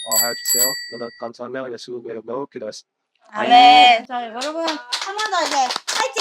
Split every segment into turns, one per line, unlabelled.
하여주세요. 감사합니다. 예수 매우 기도했습니다.
네. 자, 여러분 한 번 더 이제 파이팅!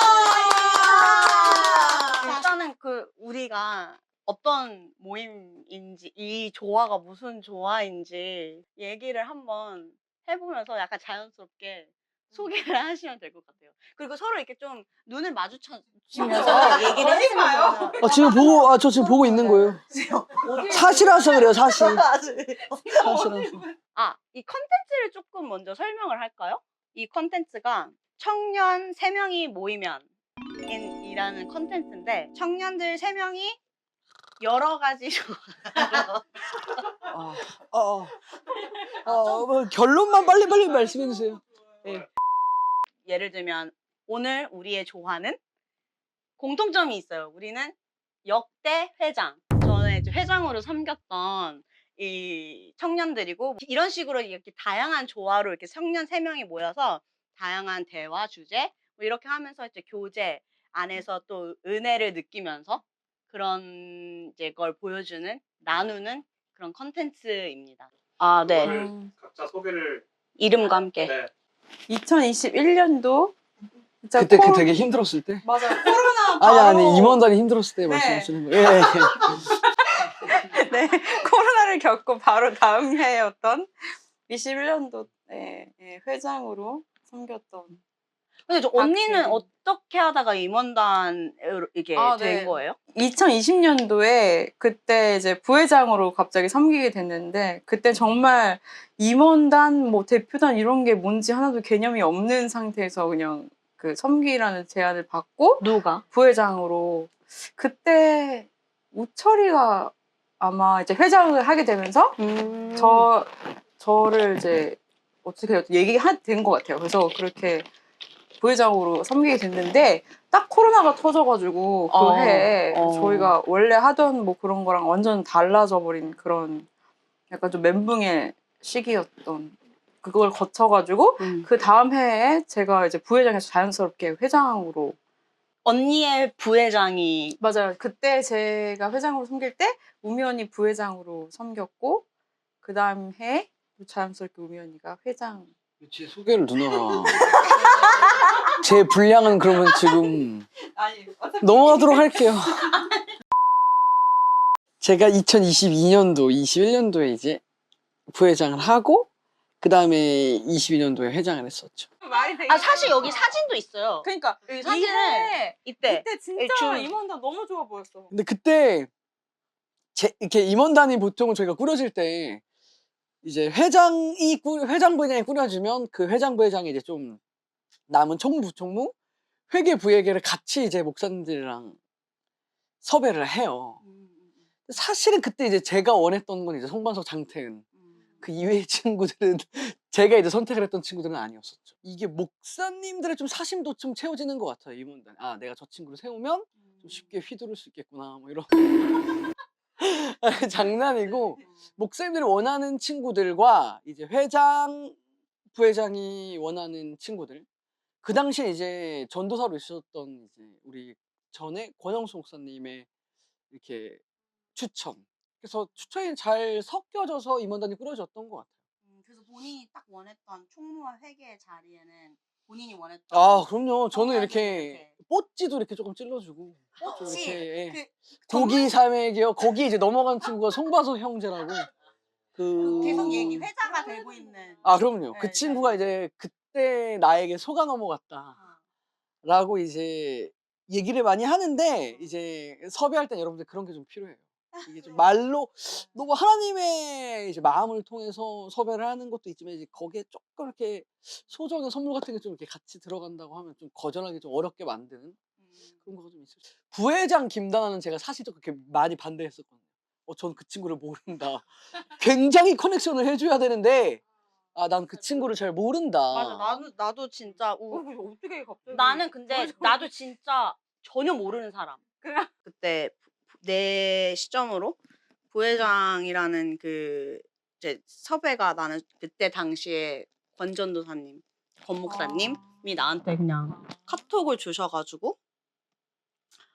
일단은 우리가 어떤 모임인지, 이 조화가 무슨 조화인지 얘기를 한번 해보면서 약간 자연스럽게 소개를 하시면 될 것 같아요. 그리고 서로 이렇게 좀 눈을 마주치면서 얘기를 했으면
저 지금 보고 있는 거예요. 사실이라서 그래요, 사실. 사실이라서.
이 컨텐츠를 조금 먼저 설명을 할까요? 이 컨텐츠가 청년 3명이 모이면 이라는 컨텐츠인데, 청년들 3명이 여러 가지
뭐 결론만 빨리 말씀해 주세요. 네.
예를 들면 오늘 우리의 조화는 공통점이 있어요. 우리는 역대 회장, 저는 이제 회장으로 섬겼던 이 청년들이고, 이런 식으로 이렇게 다양한 조화로 이렇게 청년 3명이 모여서 다양한 대화 주제 뭐 이렇게 하면서 이제 교제 안에서 또 은혜를 느끼면서 그런 이제 걸 보여주는, 나누는 그런 컨텐츠입니다. 네.
각자 소개를.
이름과 함께.
네.
2021년도
그때 되게 힘들었을 때?
맞아요. 코로나 바로
아니 임원단이 힘들었을 때 말씀하시는 거예요. 예.
네, 코로나를 겪고 바로 다음 해였던 21년도 회장으로 섬겼던.
근데 언니는
박세린.
어떻게 하다가 임원단으로 이게 된
네.
거예요?
2020년도에 그때 이제 부회장으로 갑자기 섬기게 됐는데, 그때 정말 임원단, 뭐 대표단 이런 게 뭔지 하나도 개념이 없는 상태에서 그냥 그 섬기라는 제안을 받고
누가?
부회장으로. 그때 우철이가 아마 이제 회장을 하게 되면서 저를 이제 어떻게 얘기가 된 것 같아요. 그래서 그렇게 부회장으로 섬기게 됐는데, 딱 코로나가 터져가지고 그 해에 저희가 원래 하던 뭐 그런 거랑 완전 달라져 버린 그런 약간 좀 멘붕의 시기였던, 그걸 거쳐가지고 그 다음 해에 제가 이제 부회장에서 자연스럽게 회장으로.
언니의 부회장이.
맞아요. 그때 제가 회장으로 섬길 때 우미 언니 부회장으로 섬겼고, 그 다음 해에 자연스럽게 우미 언니가 회장.
제 소개를 누나가 제 분량은 그러면 지금 넘어가도록 할게요. 제가 2022년도, 21년도에 이제 부회장을 하고, 그 다음에 22년도에 회장을 했었죠.
사실 여기 사진도 있어요.
그러니까
여기 사진은 이때
진짜 임원단 너무 좋아 보였어.
근데 그때 이렇게 임원단이 보통은 저희가 꾸려질 때 이제 회장 부회장이 꾸려지면 그 회장 부회장이 이제 좀 남은 총무, 회계 부회계를 같이 이제 목사님들이랑 섭외를 해요. 사실은 그때 이제 제가 원했던 건 이제 송반석, 장태은, 그 이외의 친구들은 제가 이제 선택을 했던 친구들은 아니었었죠. 이게 목사님들의 좀 사심도 좀 채워지는 것 같아요, 임원단. 내가 저 친구를 세우면 좀 쉽게 휘두를 수 있겠구나, 뭐 이런. 장난이고, 목사님들이 원하는 친구들과 이제 회장, 부회장이 원하는 친구들. 그 당시에 이제 전도사로 있었던 이제 우리 전에 권영수 목사님의 이렇게 추천. 그래서 추천이 잘 섞여져서 임원단이 꾸려졌던 것 같아요.
그래서 본인이 딱 원했던 총무와 회계 자리에는 본인이 원했던.
그럼요. 저는 이렇게 뽀찌도 이렇게 조금 찔러주고.
뽀찌?
이렇게 고기 삼회기요. 거기 이제 넘어간 친구가 송바석 형제라고.
계속 회자가 되고 있는.
그럼요. 그 친구가 이제 그때 나에게 속아 넘어갔다. 라고 이제 얘기를 많이 하는데, 이제 섭외할 땐 여러분들 그런 게 좀 필요해요. 이게 좀 말로 너무 하나님의 이제 마음을 통해서 섭외를 하는 것도 있지만, 이제 거기에 조금 이렇게 소정의 선물 같은 게 좀 이렇게 같이 들어간다고 하면 좀 거절하기 좀 어렵게 만드는 그런 거가 좀 있어요. 부회장 김다나는 제가 사실 좀 그렇게 많이 반대했었거든요. 전 그 친구를 모른다. 굉장히 커넥션을 해줘야 되는데, 난 그 친구를 잘 모른다.
맞아, 나도 진짜
어떻게 갑자기.
나는 근데 나도 진짜 전혀 모르는 사람. 그때 내 시점으로 부회장이라는 그 이제 섭외가, 나는 그때 당시에 권전도사님, 권 목사님이 나한테 그냥 카톡을 주셔가지고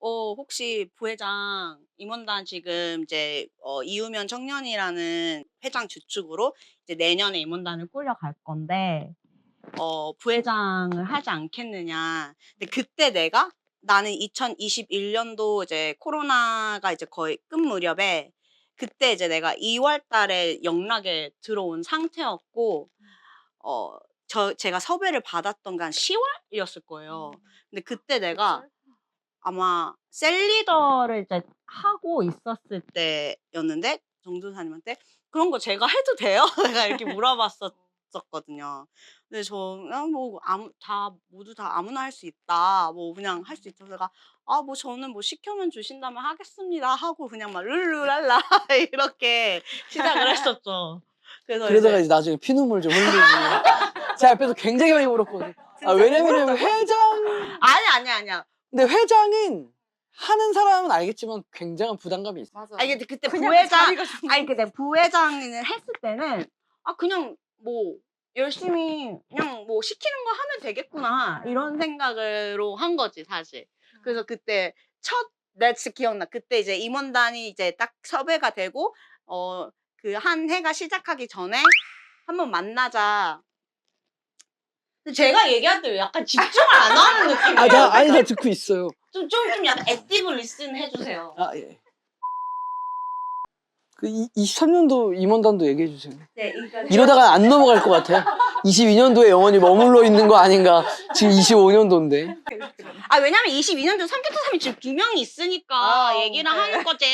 혹시 부회장 임원단 지금 이제 이우면 청년이라는 회장 주축으로 이제 내년에 임원단을 꾸려갈 건데 부회장을 하지 않겠느냐. 근데 그때 나는 2021년도 이제 코로나가 이제 거의 끝 무렵에 그때 이제 내가 2월 달에 영락에 들어온 상태였고 제가 섭외를 받았던 게 한 10월이었을 거예요. 근데 그때 내가 아마 셀리더를 이제 하고 있었을 때였는데 정도사님한테 그런 거 제가 해도 돼요? 내가 이렇게 물어봤었거든요. 근데 저는 뭐 모두 다 아무나 할 수 있다. 뭐 그냥 할 수 있다. 제가 뭐 저는 뭐 시켜면 주신다면 하겠습니다 하고 그냥 막 룰루랄라 이렇게 시작을 했었죠. 그래서
그러다가 이제 나중에 피눈물 좀 흘리고 제 앞에서 굉장히 많이 울었거든요. 왜냐면 회장
아니야.
근데 회장은 하는 사람은 알겠지만 굉장한 부담감이 있어요.
맞아.
아니 근데 그때
그냥
부회장
자리가 좀-
아니 근데 부회장을 했을 때는 그냥 뭐 열심히 그냥 뭐 시키는 거 하면 되겠구나 이런 생각으로 한 거지 사실. 그래서 그때 나 진짜 기억나. 그때 이제 임원단이 이제 딱 섭외가 되고 그 한 해가 시작하기 전에 한번 만나자. 근데 제가 얘기할 때 약간 집중을 안 하는 느낌이에요.
나 듣고 있어요.
좀 약간 액티브 리슨 해주세요.
예. 그 23년도 임원단도 얘기해 주세요.
네, 그러니까
이러다가 안 넘어갈 것 같아요. 22년도에 영원히 머물러 있는 거 아닌가. 지금 25년도인데.
왜냐면 22년도 삼계토삼이 지금 2명이 있으니까 얘기를 하는 거지.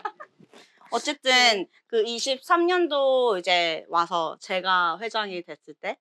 어쨌든 그 23년도 이제 와서 제가 회장이 됐을 때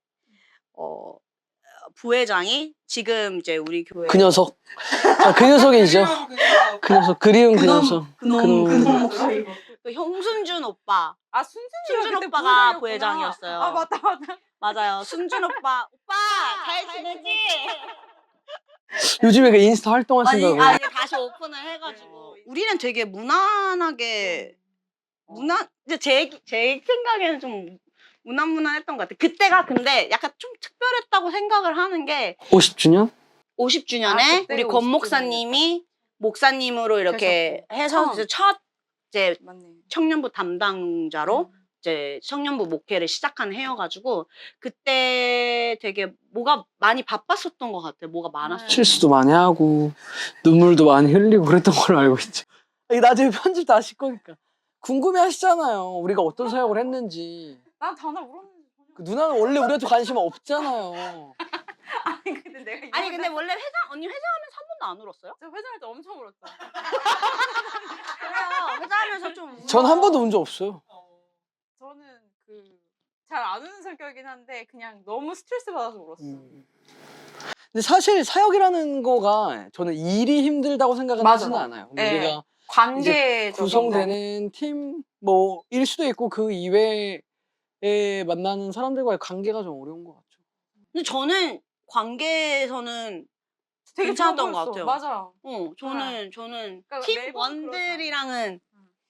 부회장이 지금 이제 우리 교회
그 녀석. 그 녀석이죠. 그 녀석. 그리운 그 녀석.
그놈 목소리. 그 형순준 오빠.
순준
오빠가 부회장이었어요.
맞다.
맞아요. 순준 오빠 잘 지내지?
요즘에 그 인스타 활동하신다고.
아니 다시 오픈을 해가지고 우리는 되게 무난하게 이제 제 생각에는 좀 무난했던 것 같아. 그때가 근데 약간 좀 특별했다고 생각을 하는 게
50주년?
50주년에
그때가
우리 권 목사님이 목사님으로 이렇게 해서
처음.
첫 이제
맞네.
청년부 담당자로 이제 청년부 목회를 시작한 해여가지고 그때 되게 뭐가 많이 바빴었던 것 같아요. 뭐가 많았어요.
실수도 많이 하고 눈물도 많이 흘리고 그랬던 걸로 알고 있죠. 이게 나중에 편집 다 하실 거니까 궁금해 하시잖아요. 우리가 어떤 사역을 했는지.
난 단어 울었는데.
그 누나는 원래 우리한테 관심 없잖아요.
근데 내가
아니 근데 원래 언니 회장하면서 한 번도 안 울었어요?
저 회장할 때 엄청 울었다.
그래요. 회장하면서 좀
전 한 번도 운 적 없어요.
저는 잘 안 우는 성격이긴 한데 그냥 너무 스트레스 받아서 울었어.
근데 사실 사역이라는 거가 저는 일이 힘들다고 생각은
맞아.
하지는 않아요.
네.
우리가
관계적인
구성되는 팀 뭐일 수도 있고 그 이외에 만나는 사람들과의 관계가 좀 어려운 것 같죠.
근데 저는 관계에서는
되게
괜찮았던 것
좋아 보였어.
같아요.
맞아.
저는
그러니까
팀
매번
원들이랑은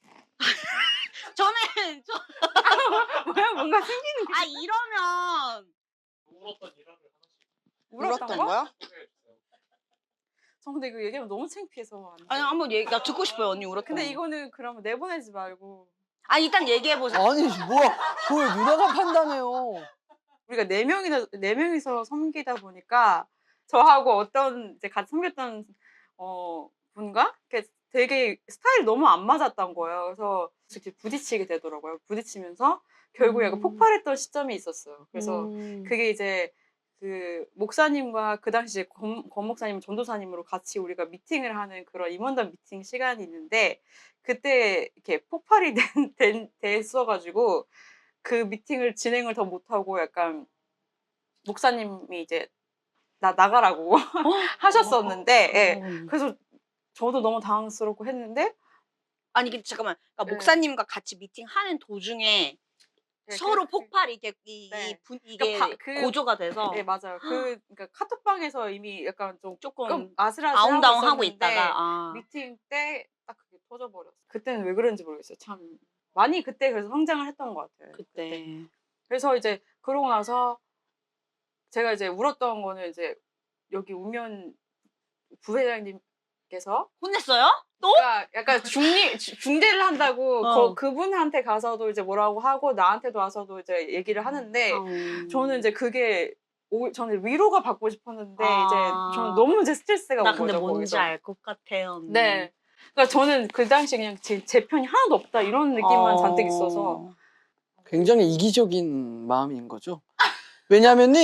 뭐야 뭔가 생기는 게
이러면
울었던 일화를 하나씩
울었던 거?
거야?
소개해주세요.
저 근데 이거 얘기하면 너무 창피해서 안 돼.
아니 한번 나 듣고 싶어요 언니 울었던
근데
거.
이거는 그러면 내보내지 말고
일단 얘기해 보세요.
아니 뭐야 그걸 누나가 판단해요.
우리가 네 명이서 섬기다 보니까 저하고 어떤 이제 같이 섬겼던 분과 되게 스타일이 너무 안 맞았던 거예요. 그래서 이렇게 부딪히게 되더라고요. 부딪히면서 결국에 약간 폭발했던 시점이 있었어요. 그래서 그게 이제 그 목사님과 그 당시에 권 목사님, 전도사님으로 같이 우리가 미팅을 하는 그런 임원단 미팅 시간이 있는데 그때 이렇게 폭발이 됐어가지고 그 미팅을 진행을 더 못하고 약간 목사님이 이제 나가라고 하셨었는데 예. 그래서 저도 너무 당황스럽고 했는데
아니 근데 잠깐만. 그러니까
네.
목사님과 같이 미팅하는 도중에 서로 폭발이 이게
네.
이게
그러니까
고조가 돼서
네 맞아요. 그러니까 카톡방에서 이미 약간
조금
아슬아슬하고
아웅다웅하고
있었는데
있다가
미팅 때 딱 그게 터져버렸어. 그때는 왜 그런지 모르겠어요. 참 많이 그때 그래서 성장을 했던 것 같아요.
그때.
그래서 이제 그러고 나서 제가 이제 울었던 거는 이제 여기 우면 부회장님 부회장님께서
혼냈어요? 또?
그러니까 약간 중재를 한다고
어.
그분한테 가서도 이제 뭐라고 하고 나한테도 와서도 이제 얘기를 하는데 저는 이제 그게 저는 위로가 받고 싶었는데 이제 저는 너무 이제 스트레스가
나
온
근데
거죠.
뭔지
거기서.
알 것 같아요. 언니.
네. 그러니까 저는 그 당시 그냥 제 편이 하나도 없다 이런 느낌만 잔뜩 있어서
굉장히 이기적인 마음인 거죠. 왜냐면은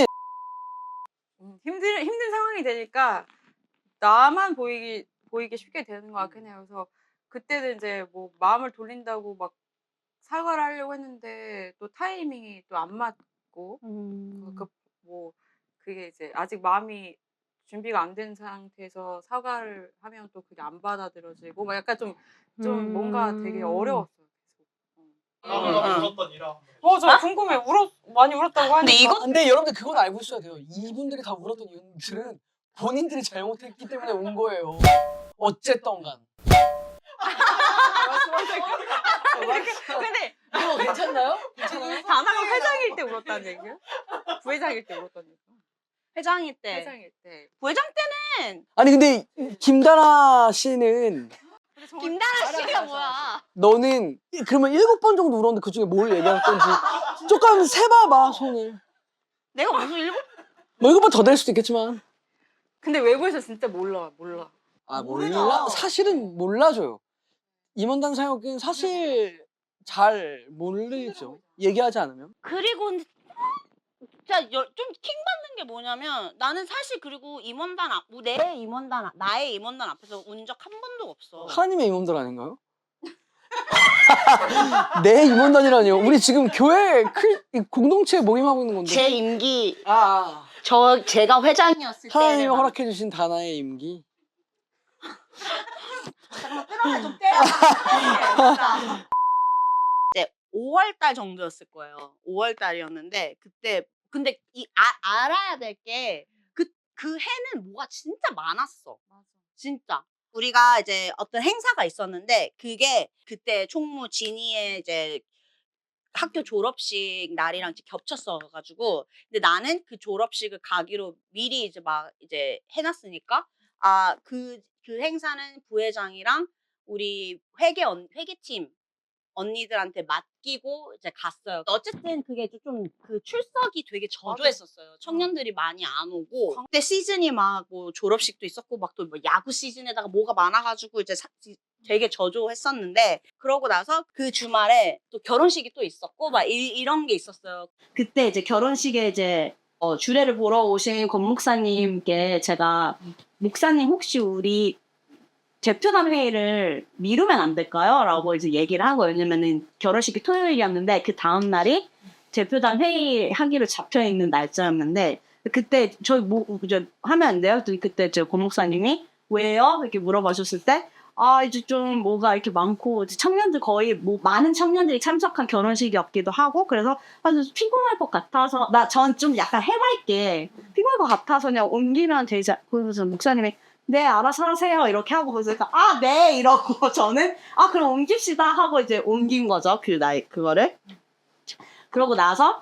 힘든 상황이 되니까 나만 보이기 쉽게 되는 것 같긴 해요. 그래서 그때는 이제 뭐 마음을 돌린다고 막 사과를 하려고 했는데 또 타이밍이 또 안 맞고 뭐 그게 이제 아직 마음이 준비가 안 된 상태에서 사과를 하면 또 그게 안 받아들여지고 막 약간 좀 뭔가 되게 어려웠어요.
나보다 울었던 이라.
저 궁금해. 많이 울었다고 하니까.
근데 이거
근데 여러분들 그건 알고 있어야 돼요. 이분들이 다 울었던 이유들은 본인들이 잘못했기 때문에 운 거예요. 어쨌든 간.
근데
이거 괜찮나요? 괜찮아요?
다나가 회장일 때 울었다는 얘기야? 부회장일 때 울었다는 얘기야?
회장일 때
회장일 때.
부회장 때는
아니 근데 김다나 씨는
김다나 씨가 뭐야?
너는 그러면 7번 정도 울었는데 그중에 뭘 얘기할 건지 조금 세봐봐 손을.
내가 무슨 일곱
뭐 7번 더 될 수도 있겠지만.
근데 외부에서 진짜 몰라.
아
몰라.
몰라? 사실은 몰라줘요. 임원단 사역은 사실 잘 모르죠. 얘기하지 않으면.
그리고 진짜 좀 킹받는 게 뭐냐면 나는 사실 그리고 나의 임원단 앞에서 운 적 한 번도 없어.
하나님의 임원단 아닌가요? 내 임원단이라니요. 우리 지금 교회 공동체에 모임하고 있는 건데.
제 임기
아.
제가 회장이었을 때
하나님이 허락해 주신 다나의 임기.
좀 때려. 이제 5월달 정도였을 거예요. 5월달이었는데 그때 근데 알아야 될 게 그 해는 뭐가 진짜 많았어. 진짜. 우리가 이제 어떤 행사가 있었는데 그게 그때 총무 진이의 이제 학교 졸업식 날이랑 겹쳤어가지고 근데 나는 그 졸업식을 가기로 미리 이제 막 이제 해놨으니까 그 행사는 부회장이랑 우리 회계팀 언니들한테 맡기고 이제 갔어요. 어쨌든 그게 좀 그 출석이 되게 저조했었어요. 청년들이 많이 안 오고 그때 시즌이 막 뭐 졸업식도 있었고 막 또 뭐 야구 시즌에다가 뭐가 많아가지고 이제 되게 저조했었는데 그러고 나서 그 주말에 또 결혼식이 또 있었고 막 이런 게 있었어요. 그때 이제 결혼식에 이제 주례를 보러 오신 권 목사님께 제가 목사님 혹시 우리 대표단 회의를 미루면 안 될까요? 라고 이제 얘기를 하고 왜냐면은 결혼식이 토요일이었는데 그 다음 날이 대표단 회의 하기로 잡혀 있는 날짜였는데 그때 저희 이제 하면 안 돼요? 그때 저 권 목사님이 왜요? 이렇게 물어보셨을 때 이제 좀 뭐가 이렇게 많고 이제 청년들 거의 뭐 많은 청년들이 참석한 결혼식이었기도 하고 그래서 피곤할 것 같아서 전 좀 약간 해맑게 피곤할 것 같아서 그냥 옮기면 되지. 그래서 목사님이 네, 알아서 하세요. 이렇게 하고, 그래서, 네! 이러고, 저는, 그럼 옮깁시다. 하고 이제 옮긴 거죠. 그거를. 그러고 나서,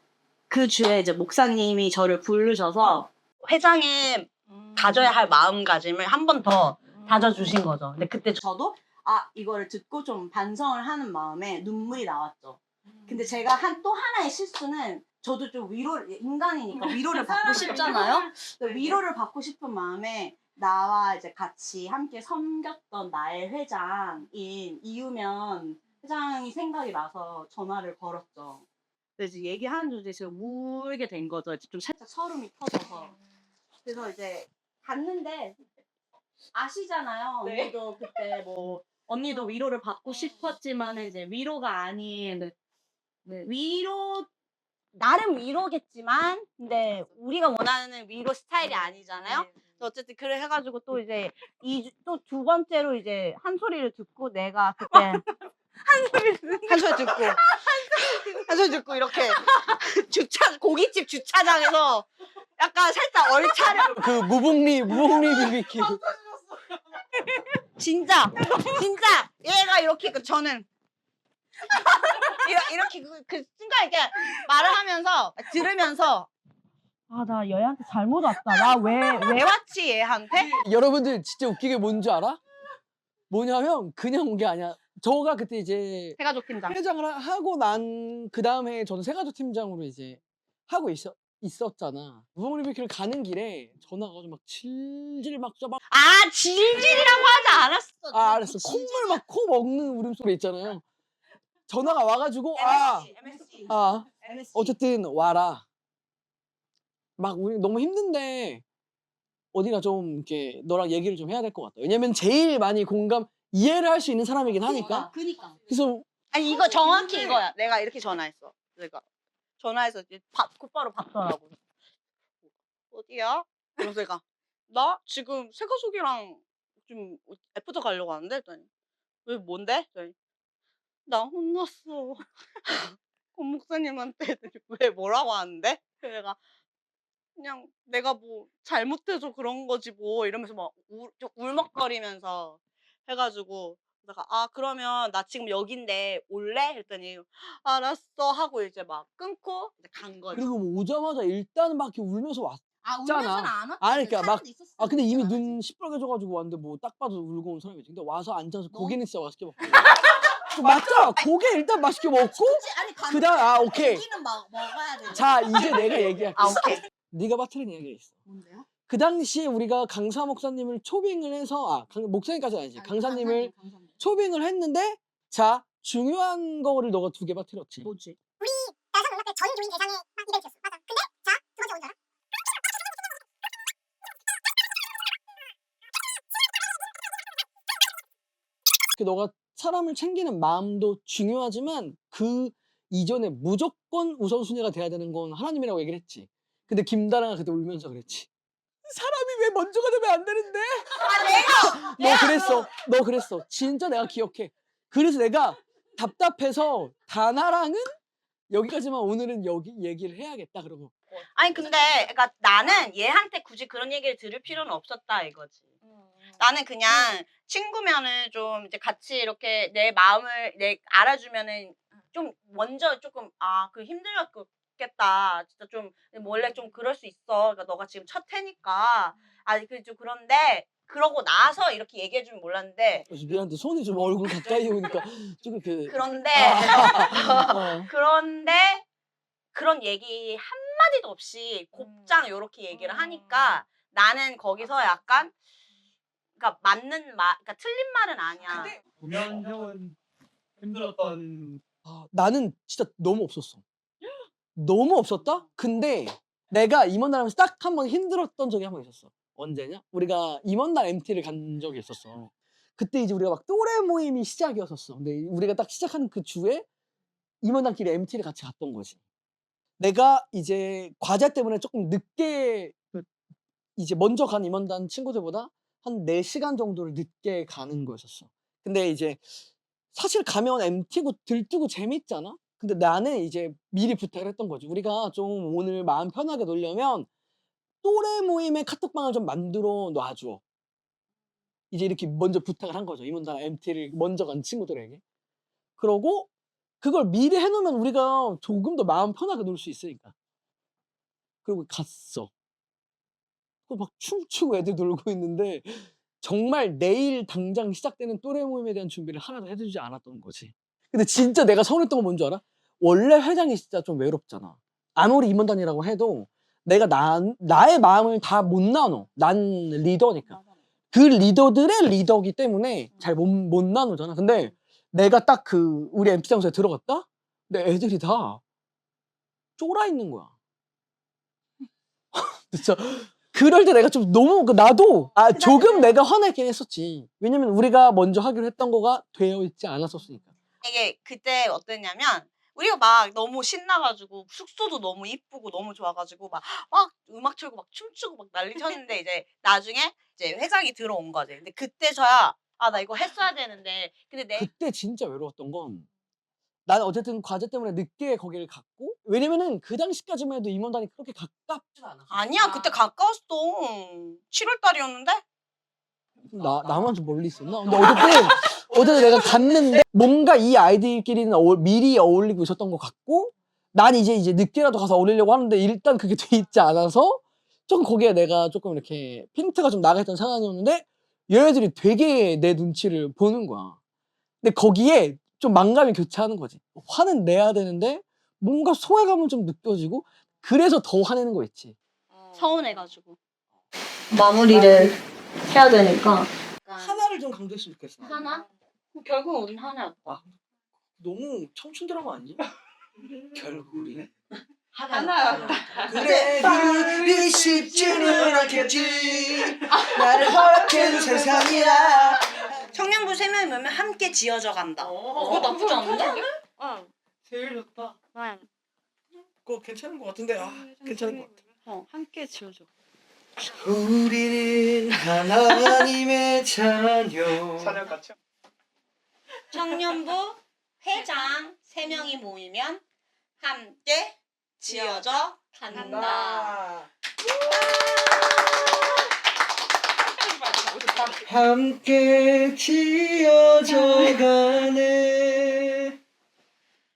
그 주에 이제 목사님이 저를 부르셔서, 회장에 가져야 할 마음가짐을 한 번 더 다져주신 거죠. 근데 그때 저도, 이거를 듣고 좀 반성을 하는 마음에 눈물이 나왔죠. 근데 제가 또 하나의 실수는, 저도 좀 인간이니까 위로를 받고 싶잖아요. 위로를 받고 싶은 마음에, 나와 이제 같이 함께 섬겼던 나의 회장인 이유면 회장이 생각이 나서 전화를 걸었죠. 그래서 이제 얘기하는 중에 제가 울게 된 거죠. 좀 살짝 서름이 터져서. 그래서 이제 갔는데 아시잖아요.
네.
언니도 그때 뭐 언니도 위로를 받고 싶었지만 이제 위로가 아닌 나름 위로겠지만 근데 우리가 원하는 위로 스타일이 아니잖아요. 어쨌든 그래 해가지고 또 이제 또 두 번째로 이제 한 소리를 듣고 내가 그때 한 소리 듣고 이렇게 고깃집 주차장에서 약간 살짝 얼차려
그 무복리 BBQ.
진짜 얘가 이렇게 저는 이렇게 그 순간 이렇게 말을 하면서 들으면서 아, 나 얘한테 잘못 왔다. 나 왜 왔지, 얘한테?
여러분들 진짜 웃긴 게 뭔지 알아? 뭐냐면 그냥 온 게 아니야. 저가 그때 이제
세가족 팀장.
회장을 하고 난 그 다음에 저는 세가족 팀장으로 이제 하고 있었잖아. 무궁리비키를 가는 길에 전화가 막 질질 막
아, 질질이라고 하지 않았어.
알았어. 콧물 막 코 먹는 울음소리 있잖아요. 전화가 와가지고
MSG.
어쨌든 와라. 막 우리 너무 힘든데 어디가 좀 이렇게 너랑 얘기를 좀 해야 될 것 같다. 왜냐면 제일 많이 이해를 할 수 있는 사람이긴 하니까.
그니까.
그래서
아니, 이거 정확히 이거야. 내가 이렇게 전화했어. 내가 전화해서 이제 곧바로 받더라고. 어디야? 그래서 내가 나 지금 세가족이랑 좀 애프터 가려고 하는데 했더니 왜 뭔데? 했더니 나 혼났어. 권 목사님한테 했더니 왜 뭐라고 하는데? 그래서 내가 그냥 내가 뭐 잘못해서 그런 거지 뭐 이러면서 막 좀 울먹거리면서 해가지고 내가 아 그러면 나 지금 여긴데 올래? 했더니 알았어 하고 이제 막 끊고 이제 간 거지.
그리고 뭐 오자마자 일단 막 이렇게 울면서 왔.
아
울면서는
안 왔지.
아니, 그러니까 막
있었어.
근데 이미 눈 시뻘개져가지고 왔는데 뭐 딱 봐도 울고 온 사람이지. 근데 와서 앉아서 고기는 진짜 맛있게 먹고. 맞죠? 고기 일단 맛있게 먹고
아니
그다음 오케이.
고기는 먹어야 돼.
자 이제 내가 얘기할게.
아 오케이.
네가 빠뜨린 얘기가 있어.
뭔데요?
그 당시에 우리가 강사 목사님을 초빙을 해서 목사님까지는 아니지. 강사님을 초빙을 했는데 자 중요한 거를 너가 2개 빠뜨렸지.
뭐지?
여성 음악회 전 교인 대상의 이벤트였어. 맞아. 근데 자, 두 번째 뭔지 알아?
너가 사람을 챙기는 마음도 중요하지만 그 이전에 무조건 우선순위가 돼야 되는 건 하나님이라고 얘기를 했지. 근데 김다랑아 그때 울면서 그랬지. 사람이 왜 먼저가 되면 안 되는데? 너 그랬어. 진짜 내가 기억해. 그래서 내가 답답해서 다나랑은 여기까지만 오늘은 여기 얘기를 해야겠다 그러고.
아니 근데 그러니까 나는 얘한테 굳이 그런 얘기를 들을 필요는 없었다 이거지. 나는 그냥 친구면은 좀 이제 같이 이렇게 내 마음을 알아주면은 좀 먼저 조금 그 힘들었겠다. 진짜 좀 원래 좀 그럴 수 있어. 그러니까 너가 지금 첫 해니까 좀 그런데 그러고 나서 이렇게 얘기해주면 몰랐는데
미안한데 손이 좀 얼굴 가까이 오니까 조금
그런데
어.
그런데 그런 얘기 한마디도 없이 곱장 요렇게 얘기를 하니까 나는 거기서 약간 그러니까 맞는 말, 그러니까 틀린 말은 아니야.
보면 형은 힘들었던
나는 진짜 너무 없었어. 너무 없었다? 근데 내가 임원단 하면서 딱 한 번 힘들었던 적이 한 번 있었어. 언제냐? 우리가 임원단 MT를 간 적이 있었어. 그때 이제 우리가 막 또래 모임이 시작이었었어. 근데 우리가 딱 시작하는 그 주에 임원단끼리 MT를 같이 갔던 거지. 내가 이제 과제 때문에 조금 늦게 이제 먼저 간 임원단 친구들보다 한 4시간 정도를 늦게 가는 거였었어. 근데 이제 사실 가면 MT고 들뜨고 재밌잖아? 근데 나는 이제 미리 부탁을 했던 거지. 우리가 좀 오늘 마음 편하게 놀려면 또래 모임의 카톡방을 좀 만들어 놔줘. 이제 이렇게 먼저 부탁을 한 거죠. 임원단 MT를 먼저 간 친구들에게. 그러고 그걸 미리 해놓으면 우리가 조금 더 마음 편하게 놀 수 있으니까. 그리고 갔어. 막 춤추고 애들 놀고 있는데 정말 내일 당장 시작되는 또래 모임에 대한 준비를 하나도 해주지 않았던 거지. 근데 진짜 내가 서운했던 건 뭔지 알아? 원래 회장이 진짜 좀 외롭잖아. 아무리 임원단이라고 해도 내가 나의 마음을 다 못 나눠. 난 리더니까. 그 리더들의 리더기 때문에 잘 못 나누잖아. 근데 내가 딱 우리 MT장소에 들어갔다? 근데 애들이 다 쫄아 있는 거야. 진짜. 그럴 때 내가 좀 너무 나도 조금 내가 화내긴 했었지. 왜냐면 우리가 먼저 하기로 했던 거가 되어 있지 않았었으니까.
이게 그때 어땠냐면 우리가 막 너무 신나가지고 숙소도 너무 이쁘고 너무 좋아가지고 막 음악 틀고 막 춤추고 막 난리 쳤는데 이제 나중에 이제 회장이 들어온 거지. 근데 그때서야 나 이거 했어야 되는데 근데
그때 진짜 외로웠던 건 나는 어쨌든 과제 때문에 늦게 거기를 갔고 왜냐면은 그 당시까지만 해도 임원단이 그렇게 가깝지 않았어.
아니야 그때 가까웠어. 7월 달이었는데
나만 좀 멀리 있었나? 근데 어쨌든 내가 갔는데 뭔가 이 아이들끼리는 미리 어울리고 있었던 것 같고 난 이제 늦게라도 가서 어울리려고 하는데 일단 그게 돼 있지 않아서 조금 거기에 내가 조금 이렇게 핀트가 좀 나가 있던 상황이었는데 얘네들이 되게 내 눈치를 보는 거야. 근데 거기에 좀 만감이 교차하는 거지. 화는 내야 되는데 뭔가 소외감은 좀 느껴지고 그래서 더 화내는 거 있지.
서운해가지고.
마무리를 해야 되니까.
하나를 좀 강조했으면 좋겠어.
하나? 결국 우린 하나였다.
너무 청춘 드라마 아니지? 결국 우리
하나였다.
그래 둘이 쉽지는 않겠지 나를 허락해준 세상이야.
청년부 3명이 모이면 함께 지어져 간다.
그거 나쁘지 않은데?
어.
제일 좋다.
그거 괜찮은 것 같은데 괜찮은 것 같아.
함께 지어져.
우리는 하나님의 자녀.
사냥 같이.
청년부 회장 3명이 모이면 함께 지어져 간다.
함께 지어져 가네.